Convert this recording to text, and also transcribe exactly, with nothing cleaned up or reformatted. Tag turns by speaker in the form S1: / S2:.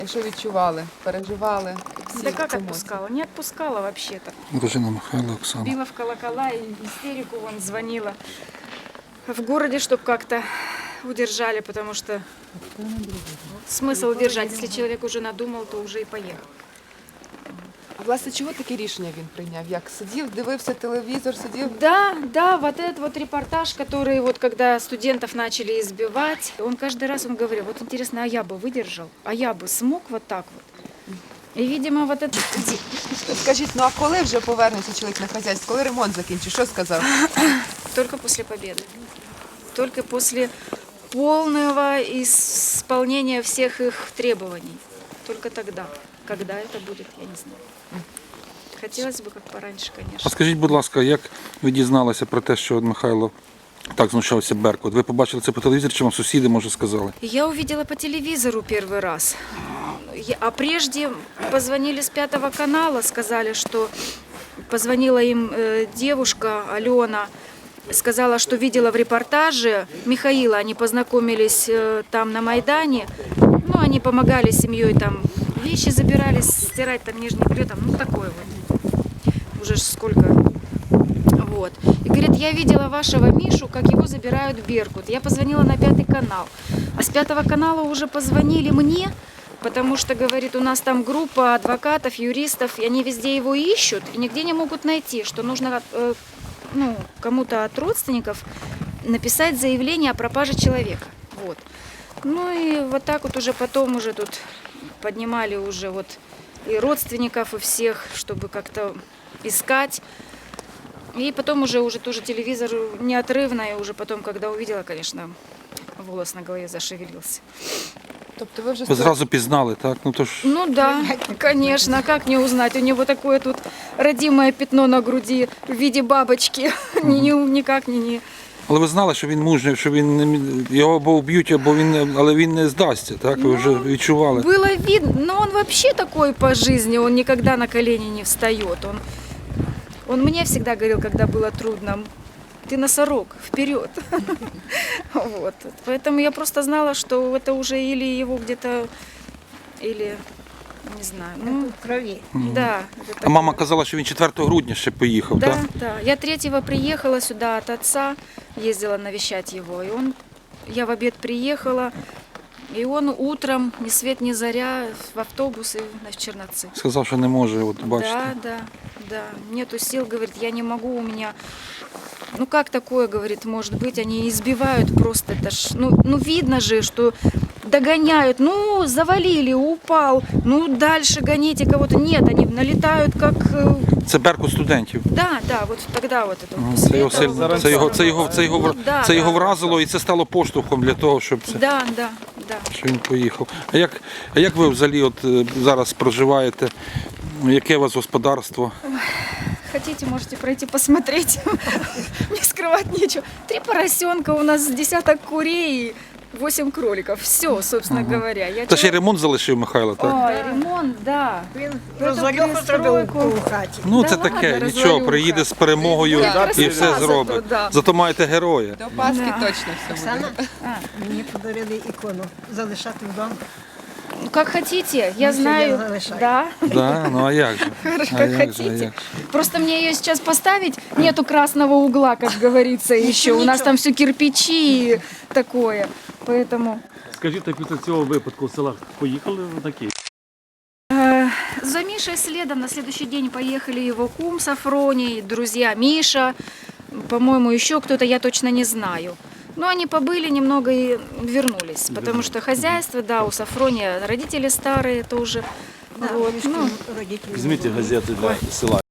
S1: Що відчували, переживали? Всі
S2: Да как
S1: емоції?
S2: отпускала? Не отпускала вообще-то.
S3: Дружина Михайла Оксана.
S2: Била в колокола и истерику вон звонила. В городе, чтобы как-то удержали, потому что смысл удержать. Если человек уже надумал, то уже и поехал.
S1: А власне, чого таке рішення він прийняв? Як сидів, дивився телевізор, сидів?
S2: Да, да, вот этот вот репортаж, который вот когда студентов начали избивать, он каждый раз он говорил, вот интересно, а я бы выдержал, а я бы смог вот так вот. И, видимо, вот это...
S1: Скажіть, ну а коли вже повернеться чоловік на хазяйство? Коли ремонт закінчить? Що сказав?
S2: Только после победы. Только после полного исполнения всех их требований. Только тогда. Когда это будет, я не знаю. Хотелось бы, как пораньше,
S3: А
S2: конечно.
S3: скажіть, будь ласка, як ви дізналися про те, що Михайло так знущався Беркут? Ви побачили це по телевізору, чи вам сусіди, може, сказали?
S2: Я увидела по телевизору первый раз. Я- А прежде позвонили с пятого канала, сказали, что позвонила им э, девушка Алена, сказала, что видела в репортаже Михаила, они познакомились э, там на Майдане, ну, они помогали семьей там, вещи забирались, стирать там нижний белье, там, ну, такое вот, уже ж сколько, вот. И говорит, я видела вашего Мишу, как его забирают в Беркут. Я позвонила на пятый канал, а с пятого канала уже позвонили мне, потому что, говорит, у нас там группа адвокатов, юристов, и они везде его ищут и нигде не могут найти, что нужно э, ну, кому-то от родственников написать заявление о пропаже человека. Вот. Ну и вот так вот уже потом уже тут поднимали уже вот и родственников, и всех, чтобы как-то искать. И потом уже, уже тоже телевизор неотрывно, и уже потом, когда увидела, конечно, волос на голове зашевелился.
S1: Тобто ви вже
S3: Ви зразу пізнали, так? Ну, то ж...
S2: Ну да, конечно, как не узнать? У него такое тут родимое пятно на груди в виде бабочки. Ни- ни- Никак не, не.
S3: Але ви знали, що він мужній, що він не мі- його або вб'ють, або він не... але він не здасться, так? Ви вже відчували.
S2: Было видно, но он вообще такой по жизни, он никогда на колени не встает. Он, он мне всегда говорил, когда было трудно, ты носорог, вперед. Вот. Поэтому я просто знала, что это уже или его где-то, или, не знаю, ну,
S4: В крови.
S2: да. это
S3: А мама
S2: такое.
S3: казала, що він четвертого грудня ще поїхав,
S2: Да,
S3: так?
S2: да. Я третьего приехала сюда от отца, ездила навещать его, и он, я в обед приехала, и он утром, ни свет ни заря, в автобус и в Черноцы.
S3: Сказав, що не може, от бачите.
S2: Да, да, да. Нету сил, говорит, я не могу, у меня... Ну как такое, говорит, может быть, они избивают просто, это ж, ну, ну видно же, что догоняют, ну завалили, упал, ну дальше гоните кого-то. Нет, они налетают как... э,
S3: Це Беркут студентів.
S2: Да, да, вот тогда вот это.
S3: Мгм.
S2: после
S3: Це його,
S2: этого
S3: сильно-
S2: вот
S3: це його,
S2: всё.
S3: це його, це його,
S2: Ну, да,
S3: це його
S2: да.
S3: вразило, і це стало поштовхом для того, щоб це,
S2: Да, да, да.
S3: що він поїхав. А як, а як ви взагалі от е, зараз проживаєте? Яке у вас господарство?
S2: Хотите, можете пройти посмотреть. Не скрывать нечего. Три поросенка, у нас десяток курей, восемь кроликов. Все, собственно говоря. Я
S3: Та ще й
S2: человек-
S3: ремонт залишив Михайло, так?
S2: Ой, ремонт, да.
S4: Він
S2: Це
S4: розвалюху
S2: пристройку.
S4: зробив у хаті.
S3: Ну
S2: Да
S3: це
S2: ладно,
S3: таке, нічого,
S2: розвалюха.
S3: приїде з перемогою
S2: Буде
S3: і
S2: красота
S3: все
S2: зато,
S3: зробить.
S2: да.
S3: Зато маєте героя.
S1: до Пасхи
S2: Да.
S1: точно все
S4: Оксана,
S1: буде.
S4: мені подарили ікону залишати вдома.
S2: Ну, как хотите, я
S4: Ну,
S2: знаю.
S4: всегда залишай.
S2: Да,
S3: Да, ну а як же?
S2: хорошо,
S3: А
S2: как
S3: як же, а
S2: хотите.
S3: як же?
S2: Просто мне ее сейчас поставить, нету красного угла, как говорится, еще. У нас там все кирпичи и такое. Поэтому...
S5: Скажіть, а після цього випадку в селах поїхали на Київ?
S2: Э, За Мишей следом на следующий день поехали его кум с Афронией, друзья Миша, по-моему, еще кто-то, я точно не знаю. Но они побыли немного и вернулись, потому что хозяйство, да, у Сафрония родители старые тоже.
S4: Да,
S2: вот,
S4: мішки
S2: ну,
S4: родителі
S5: Візьміть
S4: були.
S5: газети для села.